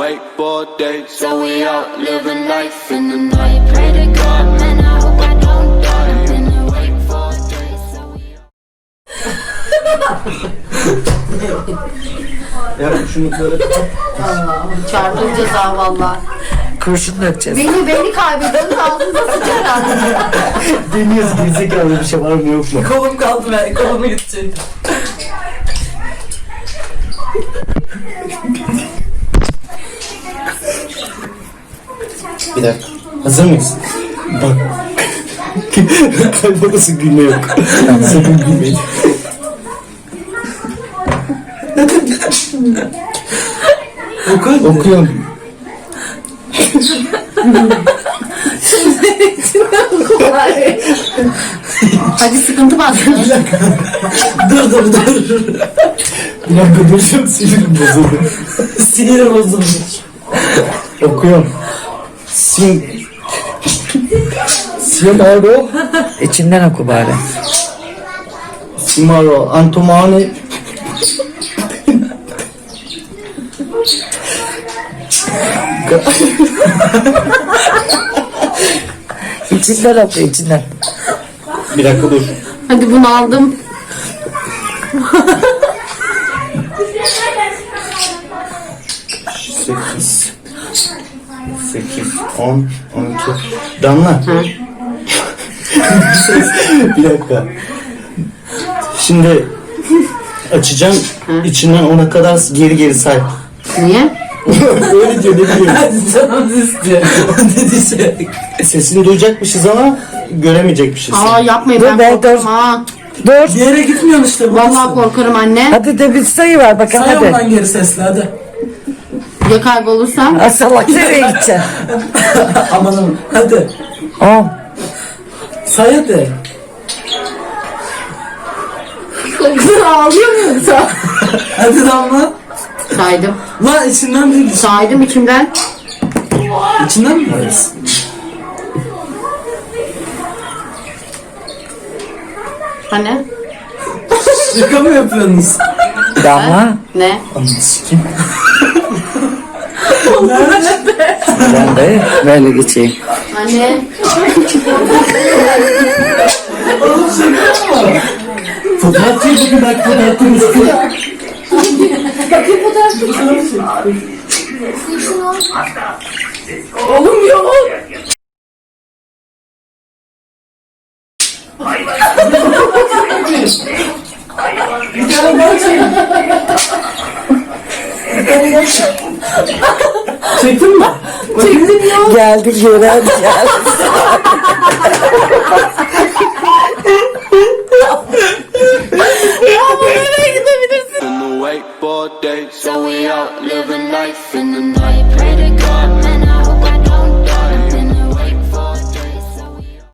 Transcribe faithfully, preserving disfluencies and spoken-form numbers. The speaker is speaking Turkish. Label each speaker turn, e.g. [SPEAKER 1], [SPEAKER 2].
[SPEAKER 1] wakeboard days, so we out living life in the night. Pray to God, man, I hope I don't die. I've been awake for days, so we
[SPEAKER 2] Ya şunu böyle
[SPEAKER 3] Çarpın ceza valla.
[SPEAKER 4] Kurşun dökeceğiz.
[SPEAKER 3] Beni beni kaybediyorsun ağzınıza sıçar ağzınıza.
[SPEAKER 2] deniyoruz, gerizekalı bir şey var mı yok mu?
[SPEAKER 4] Kolum kaldı ben. Kolumu gidecek.
[SPEAKER 2] Bir dakika. Hazır mıyız? Bak. Kaybolası gülme yok. Sakın gülmeyin. Oku. Okuyorum.
[SPEAKER 3] Hadi sıkıntı bastın.
[SPEAKER 4] Dur dur dur.
[SPEAKER 2] Bir dakika duracağım, sinirim bozuldu.
[SPEAKER 4] Sinirim bozulmuş.
[SPEAKER 2] Okuyorum. Sim... Simaro.
[SPEAKER 4] İçinden oku bari.
[SPEAKER 2] Simaro. Antomani.
[SPEAKER 4] İçinden oku içinden.
[SPEAKER 2] Bir dakika dur.
[SPEAKER 3] Hadi bunu aldım.
[SPEAKER 2] Sekiz. Sekiz. On. On iki. Damla. Bir dakika. Şimdi açacağım. İçinden ona kadar geri geri say.
[SPEAKER 3] Niye?
[SPEAKER 2] Öyle diyor, ne bileyim.
[SPEAKER 4] Canım istiyor. Ne diyecek?
[SPEAKER 2] Sesini duyacakmışız ama göremeyecekmişiz.
[SPEAKER 3] Aa yapmayın,
[SPEAKER 4] Dur
[SPEAKER 3] ben
[SPEAKER 4] be,
[SPEAKER 3] korkarım
[SPEAKER 4] dur.
[SPEAKER 3] ha.
[SPEAKER 4] Bir yere gitmiyorsun işte.
[SPEAKER 3] Vallahi korkarım anne.
[SPEAKER 4] Hadi de bir sayı var bakalım
[SPEAKER 5] Say
[SPEAKER 4] hadi.
[SPEAKER 5] ondan geri sesle hadi.
[SPEAKER 3] Ya kaybolursam?
[SPEAKER 4] Ha, salak nereye gideceksin?
[SPEAKER 5] Amanım hadi.
[SPEAKER 4] On.
[SPEAKER 5] Say hadi.
[SPEAKER 3] Ağlıyor muyum sen?
[SPEAKER 5] Hadi Damla.
[SPEAKER 3] Saydım.
[SPEAKER 5] Lan içinden değil.
[SPEAKER 3] Saydım içimden.
[SPEAKER 5] İçinden mi varız?
[SPEAKER 3] Hani?
[SPEAKER 5] Şaka mı yapıyorsunuz?
[SPEAKER 4] Damla.
[SPEAKER 3] Ne?
[SPEAKER 2] Ananı sikeyim.
[SPEAKER 4] Ben de böyle geçeyim.
[SPEAKER 3] Anne.
[SPEAKER 2] Fotoğraf çekti, bir dakika fotoğrafın üstüne.
[SPEAKER 3] Oğlum ya.
[SPEAKER 5] Bir tane daha çek. Çektin mi?
[SPEAKER 3] Çektim ya.
[SPEAKER 4] Geldik yere hadi gel.
[SPEAKER 1] in the wakeboard days, so we out living life in the night.